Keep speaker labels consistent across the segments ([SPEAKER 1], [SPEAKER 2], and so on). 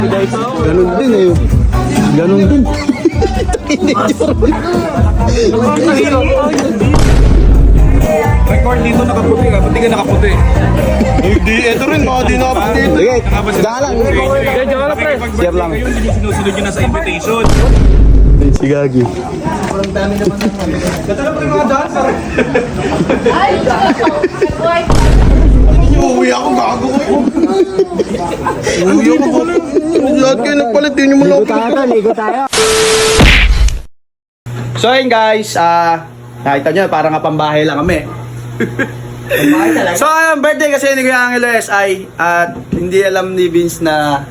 [SPEAKER 1] Ganun din eh. Ganun din.
[SPEAKER 2] Record dito nakaputi ka, pati ka nakaputi.
[SPEAKER 1] Hindi, ito rin mga di nakaputi. Sige, dalang. Share lang.
[SPEAKER 2] Yung sinusunod nyo na sa invitation.
[SPEAKER 1] Si Gagi.
[SPEAKER 2] Gata na po yung mga dancer.
[SPEAKER 1] Uuwi ako, gago ko. Uuwi ako po. Lahat kayo nagpalit, yun yung malapit.
[SPEAKER 3] Ligo tayo.
[SPEAKER 1] So ayun guys, nakita nyo, parang pambahay lang kami. So ayun, birthday kasi ni Kuya Angeles ay at hindi alam ni Vince na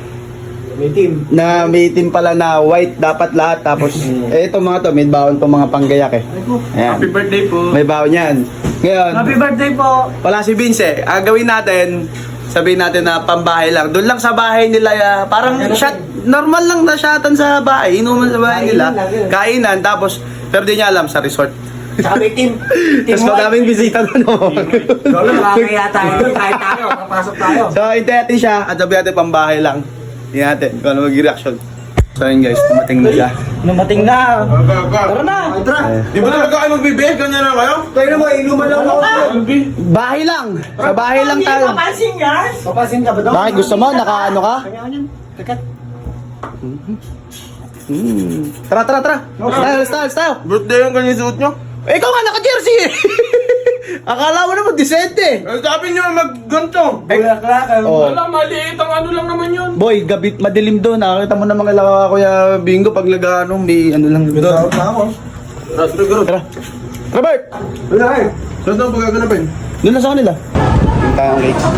[SPEAKER 1] may team pala na white dapat lahat. Tapos ito mga to, may baon to mga panggayak eh. Ayan.
[SPEAKER 2] Happy birthday po.
[SPEAKER 1] May baon yan. Ngayon,
[SPEAKER 3] Happy birthday po.
[SPEAKER 1] wala si Vince eh. Ang gawin natin, sabihin natin na pambahay lang. Doon lang sa bahay nila, parang shot, normal lang na shotan sa bahay. Inuman sa bahay nila. Kainan, tapos, pero di niya alam sa resort.
[SPEAKER 3] Tsaka may team.
[SPEAKER 1] Tapos madaming bisita doon.
[SPEAKER 3] Lolo, makakaya tayo. Kahit tayo, papasok tayo.
[SPEAKER 1] So, hintayin natin siya at sabihin natin pambahay lang. Tingnan natin kung ano mag-reaction. So yun guys, tumating na siya.
[SPEAKER 3] Numating na. Tara na.
[SPEAKER 2] Di ba talaga kayo magbibig? Ganyan na kayo?
[SPEAKER 1] Tayo naman, inuman lang ako. Bahay lang. Sa bahay lang tayo.
[SPEAKER 3] Papansin guys. Papansin ka ba doon?
[SPEAKER 1] Bakit gusto mo? Nakaano ka?
[SPEAKER 3] Kakat.
[SPEAKER 1] Tara, tara, tara. Tayo.
[SPEAKER 2] Birthday yung ganyan suot nyo?
[SPEAKER 1] Ikaw nga, naka-jersey eh. Akala mo naman, decente.
[SPEAKER 2] Sabi nyo mag-ganto.
[SPEAKER 1] Oh.
[SPEAKER 2] Wala, maliit ang ano lang naman yun.
[SPEAKER 1] Boy, gabit madilim doon. Nakakita mo na mga laka Kuya Bingo pag nag-ano, may ano lang. Tara. Tara, Bert.
[SPEAKER 2] Saan ang pagkaganapin?
[SPEAKER 1] Doon na sa kanila. Doon tayo ang cake.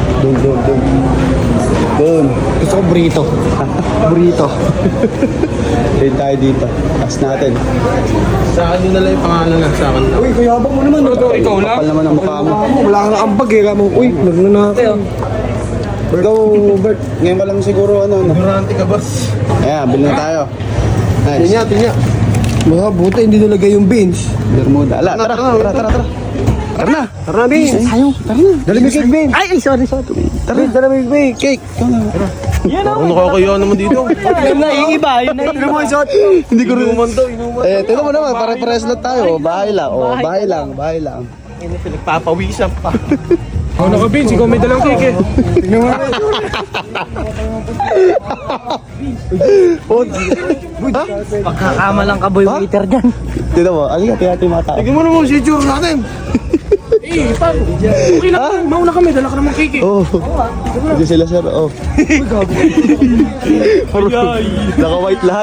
[SPEAKER 1] Doon. Gusto ko burrito. Burrito. Doon tayo dito. Taas natin.
[SPEAKER 2] Sa akin yun nalang yung pangalan na sa akin.
[SPEAKER 1] Uy, kayabang mo naman.
[SPEAKER 2] Ikaw lang?
[SPEAKER 1] Kapal naman ang mukha mo.
[SPEAKER 3] Wala ka na ambag eh. Uy, nagnanakaw.
[SPEAKER 1] Ikaw, Bert. Ngayon pa lang siguro ano.
[SPEAKER 2] Durante ka, boss.
[SPEAKER 1] Ayan, bilhin na tayo. Nice.
[SPEAKER 2] Tinya.
[SPEAKER 3] Mga buti hindi nilagay yung beans.
[SPEAKER 1] Bermuda. Ala, tara. Tara na.
[SPEAKER 3] Tara na, beans.
[SPEAKER 1] Ayaw, tara na.
[SPEAKER 3] Dala mo yung cake, beans. Ay, sorry.
[SPEAKER 1] Tara.
[SPEAKER 3] Dala mo yung cake.
[SPEAKER 1] Cake.
[SPEAKER 2] Ano nakakaya naman dito?
[SPEAKER 3] Yun na, yung iba. Yun mo, shot.
[SPEAKER 1] Hindi ko rin.
[SPEAKER 2] Inuman to, inuman.
[SPEAKER 1] Tingnan mo naman, pare-pares lang tayo. Bahay lang. Oh, bahay lang.
[SPEAKER 2] Pinagpapawisan pa. Ano ka, Vince? Ikaw may dalang cake eh.
[SPEAKER 3] Pagkakama lang ka, boy, waiter dyan.
[SPEAKER 1] Tingnan mo, ano yung tiyati mga tao?
[SPEAKER 2] Tignan mo naman si Jure natin. Paano? Okay lang. Mauna kami, dala ka naman cake eh.
[SPEAKER 1] Oh. Hindi sila sir, oh. Naka-white lahat.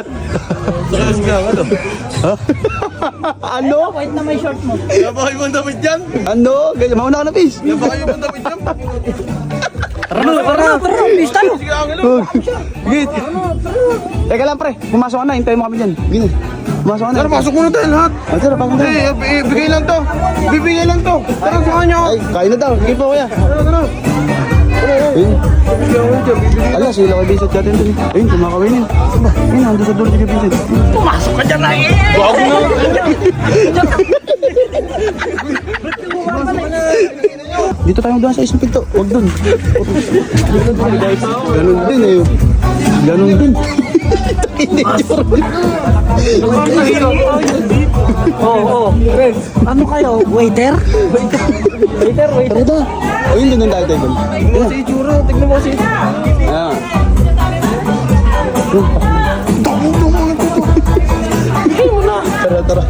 [SPEAKER 1] Ano?
[SPEAKER 3] White na may short mo.
[SPEAKER 2] Napakay mo ang damit dyan.
[SPEAKER 1] Ano? Ganyan, mauna ka na, Piz.
[SPEAKER 2] Napakay mo ang damit dyan.
[SPEAKER 3] Tara, please tayo.
[SPEAKER 2] Sige, Angelo.
[SPEAKER 1] Git. Teka lang, pre. Pumasok ka na, hintayin mo kami dyan. Gini. Pumasok ka na.
[SPEAKER 2] Tara, pasok muna tayo lahat.
[SPEAKER 1] Tara, pasok na.
[SPEAKER 2] Bigay lang to. Bibigay lang to. Tara, samahan nyo.
[SPEAKER 1] Ay, kain na daw. Sige po, kuya.
[SPEAKER 2] Tara.
[SPEAKER 1] Ayun. Ala, sila kay Vincent natin dun. Ayun, kumakawinin. Ayun, nandun sa door si Vincent.
[SPEAKER 3] Pumasok ka dyan na eh.
[SPEAKER 2] Wag na.
[SPEAKER 1] Dito tayo doon sa isang pinto. Huwag doon. Ganun din eh. Ganun din. Hindi,
[SPEAKER 3] Oo. Ano kayo? Waiter? Waiter.
[SPEAKER 1] Tara da. Ayun, doon tayo tayo doon.
[SPEAKER 3] Tignan mo si Juro. Tignan mo si...
[SPEAKER 1] Ayan. Tara.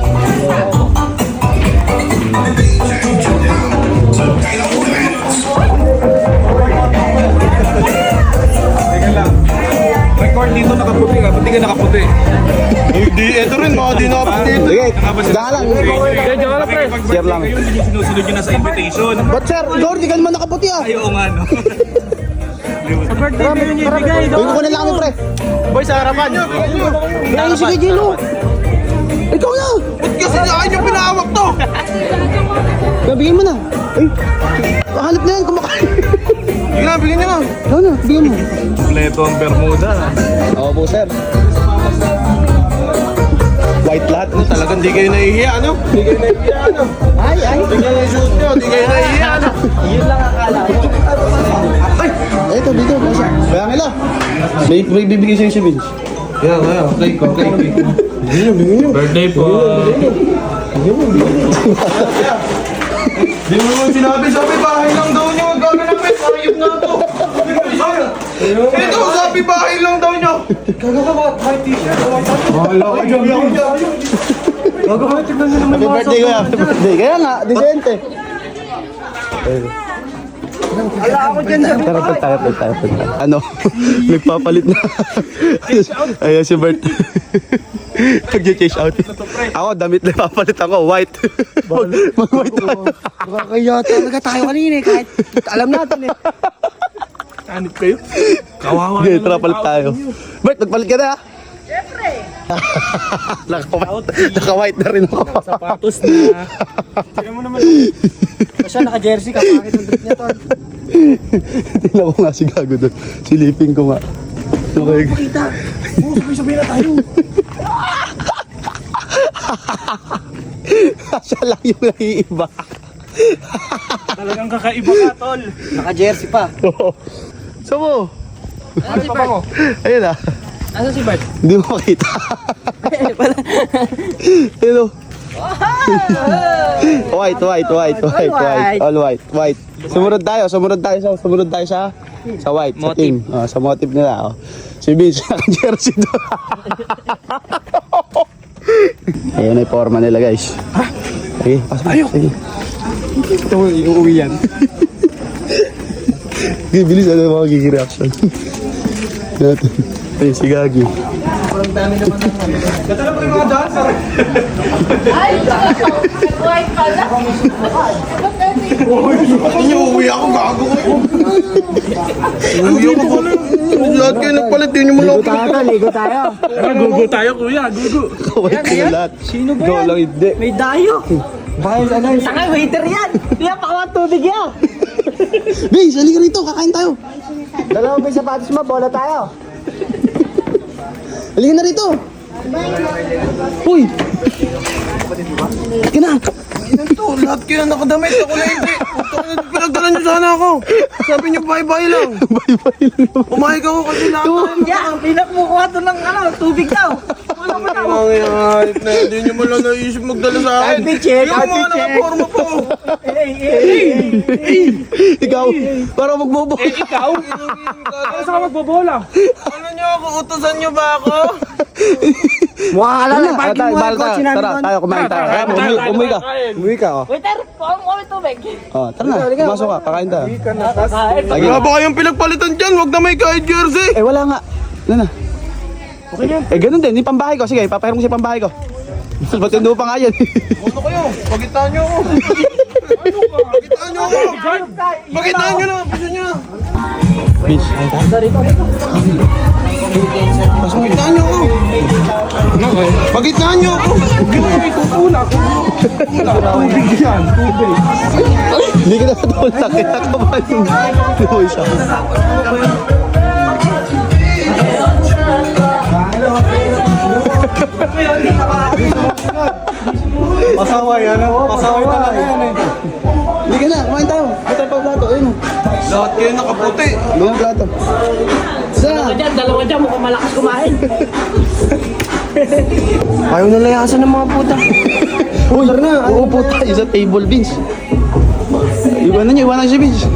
[SPEAKER 2] Teka lang. Record dito nakaputi ka, pati ka nakaputi. Hindi, ito rin mga di nakaputi.
[SPEAKER 1] Sige, dalang.
[SPEAKER 2] Share lang. Yung sinusunod nyo na sa invitation.
[SPEAKER 1] But sir, Lord, di ka naman nakaputi ah.
[SPEAKER 2] Ay, oo nga no.
[SPEAKER 3] Sa birthday mo yun ibigay.
[SPEAKER 1] Uy, kukunin lang kami, pre.
[SPEAKER 2] Boy, sa harapan.
[SPEAKER 1] Ay, sige, Gino. Ikaw na.
[SPEAKER 2] Ba't kasi akin yung pinahawak to?
[SPEAKER 1] Bigyan mo na. Ay, hanap na yan, kumakain.
[SPEAKER 2] Sige na, bigyan nyo na.
[SPEAKER 1] Ikaw na, bigyan mo.
[SPEAKER 2] Kompleto ang Bermuda.
[SPEAKER 1] Oo po, sir. white lahat.
[SPEAKER 2] Ano talagang di kayo nahihiya, ano? Di kayo nahihiya, ano?
[SPEAKER 3] Ay, ay.
[SPEAKER 2] Tingnan yung shoot nyo, di kayo nahihiya, ano?
[SPEAKER 3] Yun lang akala ko.
[SPEAKER 1] Ito, dito. Kaya nila. May bibigay sa'yo si Vince.
[SPEAKER 2] Kaya, play ko.
[SPEAKER 4] Birthday po.
[SPEAKER 2] Di mo naman sabi bahay lang daw nyo. Gawin namin, ayop na to. Ito, sabi bahay lang daw nyo.
[SPEAKER 1] Happy birthday ko Happy birthday. Kaya nga, decente.
[SPEAKER 3] Ala ako dyan sa
[SPEAKER 1] Tara. Ano? Nagpapalit na. Ayan si Bert. Nag-chase out. Ako, damit na papalit ako. White. Mag-white tayo.
[SPEAKER 3] Nakakaya talaga tayo kanina eh. Kahit alam natin eh.
[SPEAKER 4] Anip kayo? Kawawa
[SPEAKER 1] Okay, tara palit tayo. Bert, nagpalit ka na ha? Siyempre. Naka-white na rin ako.
[SPEAKER 4] Sapatos na.
[SPEAKER 3] Kasi naka-jersey ka. Bakit ang drip niya to?
[SPEAKER 1] Tingnan ko nga si Gago doon. Silipin ko nga. Okay.
[SPEAKER 3] Kita. Sabay na tayo.
[SPEAKER 1] Siya lang yung naiiba.
[SPEAKER 4] Talagang kakaiba ka, tol.
[SPEAKER 3] Naka-jersey pa.
[SPEAKER 1] Oo. Saan mo?
[SPEAKER 3] Ano si Bart?
[SPEAKER 1] Ayun ah.
[SPEAKER 3] Ano si Bart?
[SPEAKER 1] Hindi mo makita. Hello. White. All white. Sumunod tayo sa white. Sa team. Sa motive nila. Oh. Si Vince, naka-jersey doon. Ayan yung forma nila guys. Sige, pasok. Sige.
[SPEAKER 3] Ito mo, iuwi yan.
[SPEAKER 1] Sige, bilis. Ano yung magiging reaction? Natin. Ayun, si Gagi.
[SPEAKER 5] White pala.
[SPEAKER 2] Uwi ako, gago ko. Uwi ako pala. Lahat kayo nagpalit, di nyo mo lang.
[SPEAKER 3] Ligo tayo.
[SPEAKER 4] Gugu tayo, kuya. Gugu.
[SPEAKER 1] White ko na lahat.
[SPEAKER 3] Sino ba
[SPEAKER 1] Ikaw
[SPEAKER 3] yan?
[SPEAKER 1] lang hindi.
[SPEAKER 3] May dayo. Baka yung ano yung... Saka waiter yan. Kaya pakawang tubig yan.
[SPEAKER 1] Vince, halika rito. Kakain tayo.
[SPEAKER 3] Dalawa ba yung sapatos mo? Bola tayo.
[SPEAKER 1] Halika na rito. Uy. Halika na.
[SPEAKER 2] Ito, lahat kayo nakadamit. Ako na hindi. Pinagdalan nyo sana ako. Sabi nyo, bye-bye lang.
[SPEAKER 1] Bye-bye lang.
[SPEAKER 2] Umahig ako kasi lahat tayo.
[SPEAKER 3] Yeah, ang pinakmukuha to ng tubig daw. Ano mo daw?
[SPEAKER 2] Ang inahit na, hindi nyo mo lang naisip magdala sa akin.
[SPEAKER 3] Kalpi check,
[SPEAKER 2] Yung
[SPEAKER 3] kalpi
[SPEAKER 2] mga
[SPEAKER 3] check.
[SPEAKER 2] nakaporma po.
[SPEAKER 1] Ikaw, para magbobo.
[SPEAKER 4] Ikaw? Ano sa ka magbobola?
[SPEAKER 2] Ano nyo ako? Utusan nyo ba ako?
[SPEAKER 3] Mukha ka lang. Parking mo
[SPEAKER 1] Tara,
[SPEAKER 3] ang kotse namin
[SPEAKER 1] tara,
[SPEAKER 3] doon.
[SPEAKER 1] tayo kumain tayo. Kaya mo, umuwi ka.
[SPEAKER 3] Umuwi ka, oh.
[SPEAKER 5] Waiter, pang mo tubig.
[SPEAKER 1] Oh, tara na, pumasok ka, kakain tayo.
[SPEAKER 2] Wala ba kayong pinagpalitan dyan? Huwag na may kahit jersey.
[SPEAKER 1] Eh, wala nga. Ano na? Okay na. Eh, ganun din, yung pambahay ko. Sige, papahiram ko sa pambahay ko. Matindi pa nga yan.
[SPEAKER 2] Ano kayo? Pagitaan nyo ako. Pagitaan nyo ako. Pagitaan nyo na. Bisa nyo na.
[SPEAKER 1] Bitch.
[SPEAKER 2] Pagitaan nyo ako. Pagitaan nyo ako.
[SPEAKER 1] Hindi ka na natulak. Kita ka ba yung isa?
[SPEAKER 2] Pasaway, ano? Pasaway talaga yan eh.
[SPEAKER 1] Hindi ka na, kumain tayo. Ito pa plato, ayun.
[SPEAKER 2] Lahat kayo nakaputi.
[SPEAKER 1] Doon ang plato. Isa.
[SPEAKER 3] Dalawa dyan, mukhang malakas kumain.
[SPEAKER 2] Ayaw na layasan ng mga puta.
[SPEAKER 1] Uy, uupo tayo sa table, Vince. Iwanan niyo si Vince.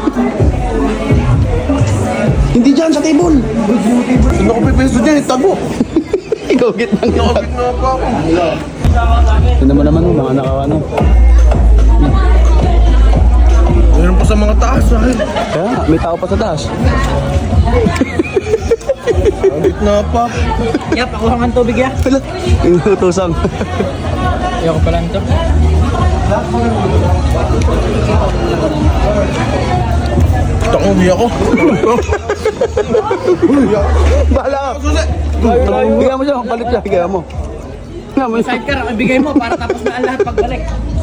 [SPEAKER 1] Hindi dyan, sa table.
[SPEAKER 2] Saan ako pipesto dyan? Itago.
[SPEAKER 1] Ikaw, gitnang ito.
[SPEAKER 2] Nakapit nga pa ako.
[SPEAKER 1] Tignan mo naman, mga nakawano.
[SPEAKER 2] Meron pa sa mga taas.
[SPEAKER 1] Kaya nga, may tao pa sa taas.
[SPEAKER 2] Nakapit na pa.
[SPEAKER 3] Yeah, pakuha nga tubig yan.
[SPEAKER 1] Wala, inutusang.
[SPEAKER 3] Ayoko pala nito.
[SPEAKER 2] Takong ako.
[SPEAKER 1] Bahala ka. Bigyan mo siya, palit siya, bigyan mo.
[SPEAKER 3] Sidecar, ibigay mo para tapos na ang lahat pagbalik.